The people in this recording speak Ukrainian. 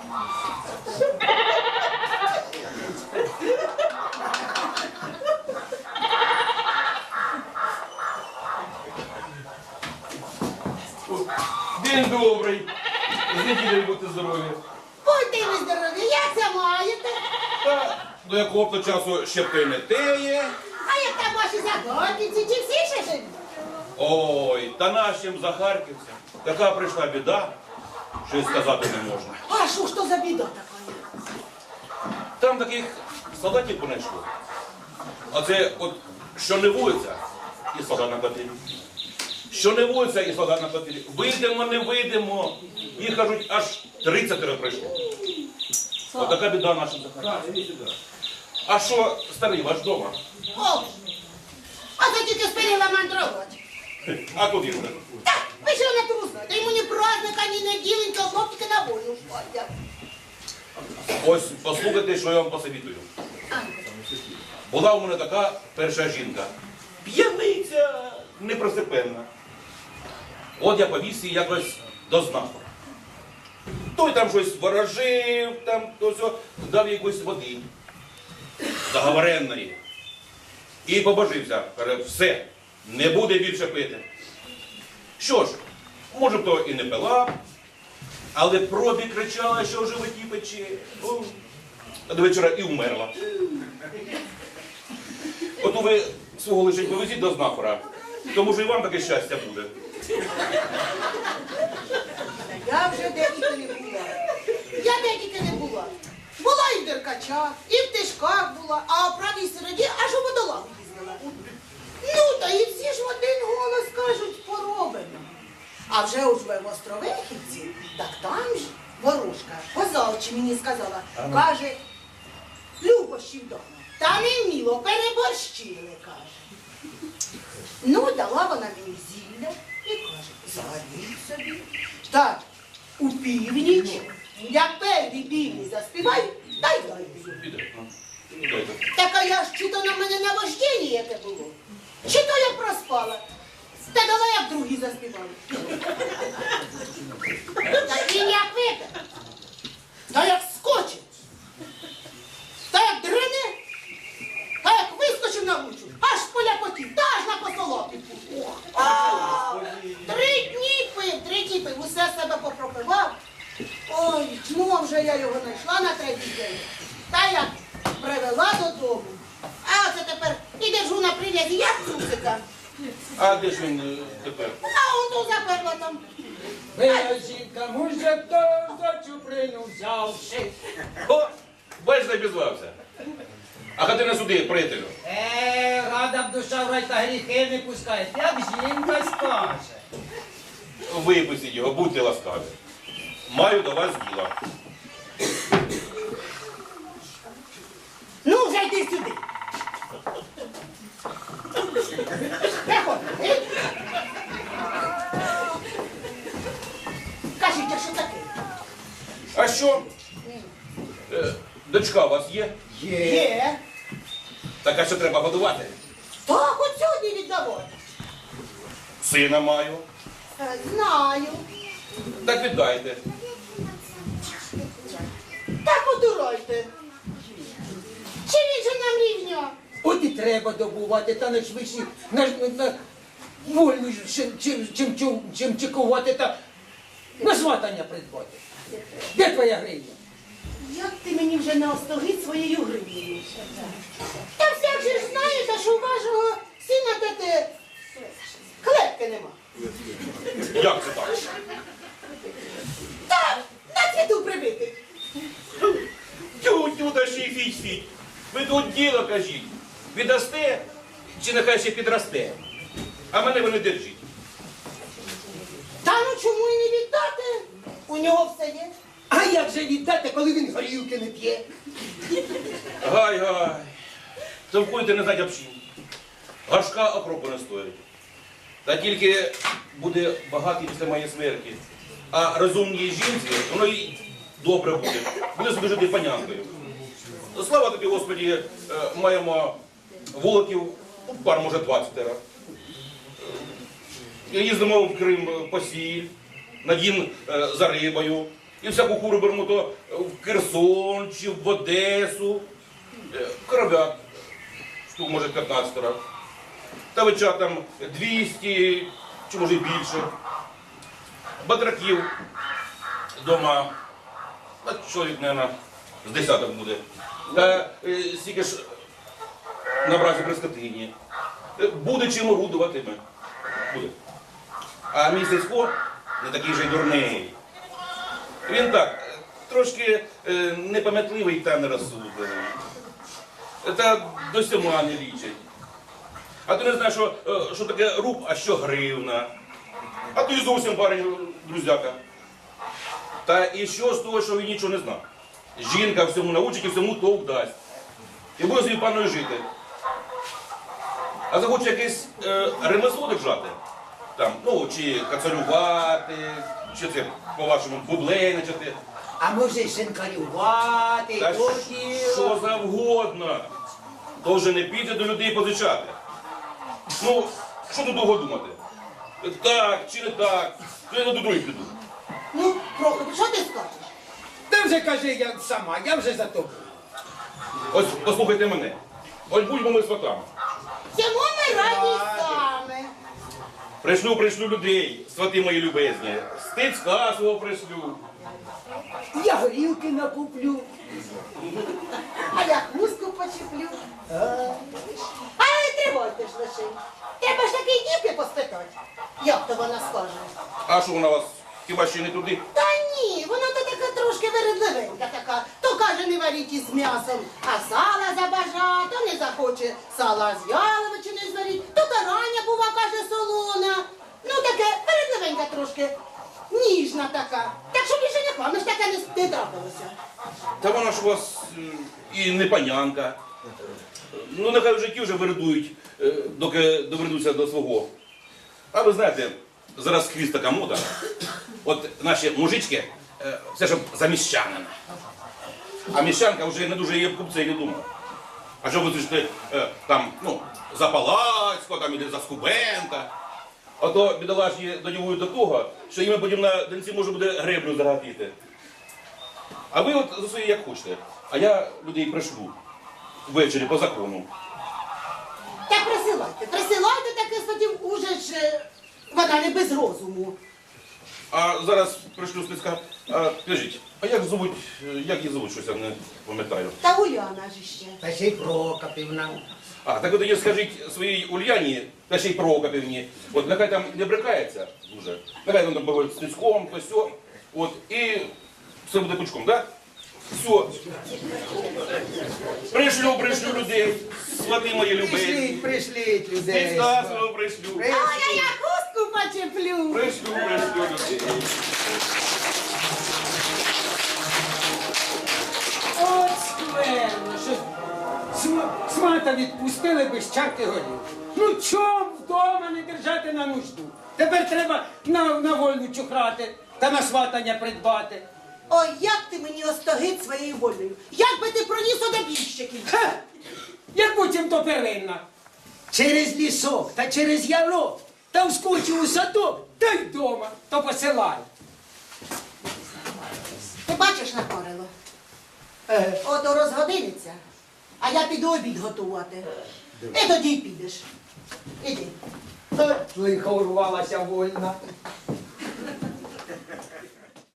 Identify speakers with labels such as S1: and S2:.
S1: День добрий. З неділею будьте здорові.
S2: Будьте ви здорові, як це маєте?
S1: Та до якого б то часу ще б не теє.
S2: А як там ваші заходниці, чи всі ще живі?
S1: Ой, та нашим захарківцям така прийшла біда, що й сказати не можна.
S2: А що ж то за біда така?
S1: Там таких солдатів понайшло. А це от, що не вулиця, і солдат на котелі. Що не вулиця, і солдат на котелі. Вийдемо, не вийдемо. Їх, кажуть, аж 30 прийшло. От така біда нашим захарківцям. А що, старий ваш дома?
S2: О, а це тільки спинила мандрувати.
S1: А куди ж?
S2: Так, ви що не трусна? Та йому ні праздника, ні неділенька, хлопчики на війну ходять.
S1: Ось послухайте, що я вам посовітую. Була у мене така перша жінка. П'яниця непросипенна. От я повіз її якось до знаку. Той там щось ворожив, там то все, дав їй якоїсь води. Заговоренної. І побожився. Каже, все, не буде більше пити. Що ж, може б то і не пила, але пробі кричала, що в животі пече. О, а до вечора і вмерла. От ви свого лишень повезіть до знахора, тому що і вам таке щастя буде.
S2: Я вже де тільки не була. Я де тільки не була. Була і в Деркачах, і в Тишках була, а в правій середі аж у водолазу їздила. Ну, та і всі ж в один голос кажуть, поробимо. А вже уж ви в Островихівці, так там ж ворожка позавчі мені сказала, каже, любощів вдома. Та не вміло, переборщили, каже. Ну, дала вона мені зілля і каже, загадіть собі. Так, у північ, як перші півні заспівай, дай дай.
S1: Піде. Дайте.
S2: Так а я ж чи то на мене наваждення яке було, чи то я проспала. Та дала, як другі заспівали. Та він як випе, та як скочить, та як дрине, та як вискочив на вулицю, аж поляпотів, та аж на посолопівку. 3 дні пив, усе себе попропивав. Ой, ну а вже я його знайшла на 3-й день. Та як привела додому. А оце тепер і держу на прив'язі, як трусика.
S1: А де ж він тепер?
S2: А он тут заперла там.
S3: Моя жінка мужа то за чуприну взявши.
S1: О, бач, забізвався. А ходи на суди, приятелю.
S3: Рада б душа в рай та гріхи не пускає, як жінка скаже.
S1: Випустіть його, будьте ласкаві. Маю до вас діло.
S2: Ну, вже йди сюди. Приходь. Кажіть, а що таке?
S1: А що? Дочка у вас є?
S2: Є.
S1: Так, а що треба годувати?
S2: Так, от сьогодні віддавати.
S1: Сина маю.
S2: Знаю.
S1: Так віддайте.
S2: Так одурайте. Чи він же нам рівня?
S3: От і треба добувати, та не швидше на вольну, чим чекувати та на сватання придбати. Де твоя гривня?
S2: Як ти мені вже не остогид своєю гривнею? Та всяк же ж знає, та що у вашого сина тете клепки нема.
S1: Як це так?
S2: Та на цвіту прибитий.
S1: Тю-тю, да ще й фіть-фіть. Ви тут діло кажіть. Віддасте, чи нехай ще підросте? А мене ви не держіть.
S2: Та ну чому і не віддати? У нього все є.
S3: А як же віддати, коли він горілки не п'є?
S1: Гай-гай. Товкуйте не знать общин. Гашка окропу не стоїть. Та тільки буде багатий після моєї смерті. А розумній жінці, воно і добре буде. Буде собі жити панянкою. Слава тобі, Господі, маємо вуликів, пар може 20. Їздимо в Крим по сіль, на Дін за рибою. І всяку куру беремо то в Херсон чи в Одесу. Коров'ят, штук може 15 раз. Тавичат там 200, чи може і більше. Батраків вдома, чоловік, мабуть, з десяток буде. Та стільки ж на бразі при скотині. Буде чим орудувати ми. Буде. А мій Сисько не такий же й дурний. Він так, трошки непам'ятливий та нерозсудливий. Та до сьома не лічить. А ти не знаєш, що таке руб, а що гривна. А то і зовсім парень друзяка. Та і що з того, що він нічого не знав? Жінка всьому научить і всьому толк дасть. І буде собі паною жити. А захоче якесь ремесло держати, там, ну, чи кацарювати, чи це, по-вашому, бублейничати.
S3: А може шинкарювати,
S1: Та
S3: то
S1: що завгодно. То вже не піде до людей позичати. Ну, що тут довго думати? Так чи не так, то я до других піду.
S2: Ну, Прохор, що ти скажеш?
S3: Та вже кажи я сама, я вже за тобою.
S1: Ось послухайте мене. Ось будьмо ми сватами.
S2: Цьому ми раді саме.
S1: Пришлю людей, свати мої любезні. Стецька свого пришлю.
S3: Я горілки накуплю.
S2: А я хустку почеплю. А не тривайте ж лише. Треба ж такий дівки поспитати. Як то вона скаже?
S1: А що вона вас хіба ще не туди?
S2: Та ні, вона то така трошки вередливенька така. То каже, не варіть із м'ясом, а сала забажа, то не захоче сала з яловичини зваріть, то караня, бува, каже, солона. Ну таке вередливенька трошки, ніжна така. Так що більше не вам ж таке не трапилося.
S1: Та вона ж у вас і не панянка. Ну, нехай в житті вже вередують, доки доведуться до свого. А ви знаєте, зараз хвіст така мода. От наші мужички, все щоб за міщанина. А міщанка вже не дуже є в купці, не думала. А що ви слышите, там, ну, за Палацького, там, іде за Скубенка. А то бідолашні додівують до того, що їм потім на донці може буде греблю загатити. А ви от за своє як хочете. А я людей пришлю ввечері по закону.
S2: Так присилайте таке статів, уже ж вона не без розуму.
S1: А зараз пришлю списка. Скажіть, а як її звуть, щось я не пам'ятаю.
S2: Та Уляна ж ще.
S3: Та ще й Прокопівна.
S1: А, так от тоді скажіть своїй Ульяні, та ще й Прокопівні, от нехай там не брикається дуже. Нехай там буває з тиском, то все. От, і все буде пучком, так? Все. Пришлю людей, свати мої любезні.
S3: Пришліть людей.
S1: Списка свого пришлю.
S2: А я хустку почеплю.
S1: Пришлю людей.
S3: От скверно, що свата відпустили без чарки горів. Ну чом вдома не держати на нужду? Тепер треба на вольну чухрати та на сватання придбати.
S2: Ой, як ти мені остогид своєю волею. Як би ти проніс одобіщиків?
S3: Ха! Як потім то первинна. Через лісок та через ярок, та вскочив у садок, та й дома, то посилай.
S2: Ти бачиш, Накорило? Ото розгодиниться, а я піду обід готувати. І тоді й підеш. Іди.
S3: Лихо урвалася вольна.